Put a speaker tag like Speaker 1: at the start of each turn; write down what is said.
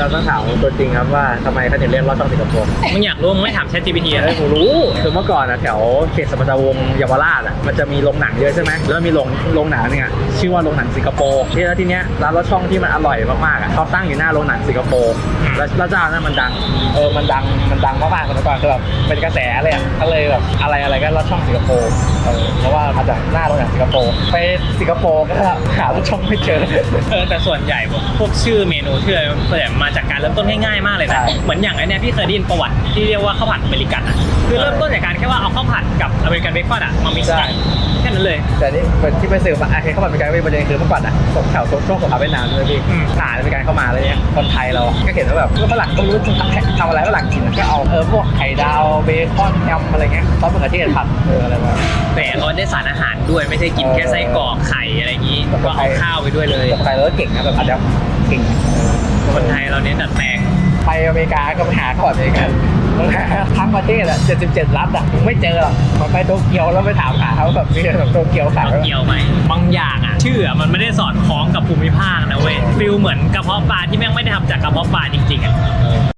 Speaker 1: เราต้องถามตัวจริงครับว่าทำไมเขาถึงเรียกลอดช่องสิงคโปร์
Speaker 2: มึงอยากรู้มึงไม่ถาม ChatGPT อ่ะ
Speaker 1: ผมรู้คือเมื่อก่อนอะแถวเขตสมรวงศ์เยาวราชอะมันจะมีโรงหนังเยอะใช่ไหมแล้วมีโรงหนังนึงอะชื่อว่าโรงหนังสิงคโปร์ที่แล้วทีเนี้ยร้านลอดช่องที่มันอร่อยมากๆอะเขาตั้งอยู่หน้าโรงหนังสิงคโปร์แล้วเจ้านั้นมันดังมันดังมากๆเมื่อก่อนคือแบบเป็นกระแสเลยอะก็เลยแบบอะไรก็ลอดช่องสิงคโปร์เพราะว่ามาจากหน้าโรงหนังสิงคโปร์ไปสิงคโปร์ก็หาลอดช่องไม่เจอ
Speaker 2: แต่ส่วนใหญ่พวกชื่อเมนูชื่ออะไรส่วนใหญ่มาจากการเริ่มต้นง่ายๆมากเลยนะ
Speaker 1: ใช่
Speaker 2: เหมือนอย่างไอ้เนี้ยพี่เคยได้ยินประวัติที่เรียกว่าข้าวผัดอเมริกันอ่ะคือเริ่มต้นจากการแค่ว่าเอาข้าวผัดกับอเมริกันเบคอนอ่ะมามิกซ์กันแค่นั้นเลย
Speaker 1: แต่นี่ที่ไปสืบมาเห็นเขาบอกเป็นการเป็นประเด็นคือเมื่อก่อนอะตกแถวช่วงสงครามเวียดนามเลยพี่ทหารเป็นการเข้ามาอะไรเงี้ยคนไทยเราก็เห็นว่าแบบฝรั่งก็ไม่รู้จะทำอะไรฝรั่งกินก็เอาพวกไข่ดาวเบคอนยำอะไรเงี้ยซอสมะเขือเทศผัดอะไรมา
Speaker 2: แต่เขาได้สารอาหารด้วยไม่ใช่กินแค่ไส้กรอกไข่อะไรอย่างนี้ก็เอาข้าวไปด้วยเลย
Speaker 1: คนไทยเราก็เก่งนะแบบอัดยับเก่ง
Speaker 2: คนไทยเราเน้นดัดแปลง
Speaker 1: ไปอเมริกาก็ไปหาข้าวผัดอเมริกันทั้งประเทศอะ77 รัฐอะไม่เจอหรอกมันไปโตเกียวแล้วไปถามหาเขาแบบมีแบบโตเกียวขาย
Speaker 2: เกี่ยวไหมบางอย่างอ่ะชื่ออะมันไม่ได้สอดคล้องกับภูมิภาคนะเว้ยฟิลเหมือนกระเพาะปลาที่แม่งไม่ได้ทำจากกระเพาะปลาจริงๆอ่ะ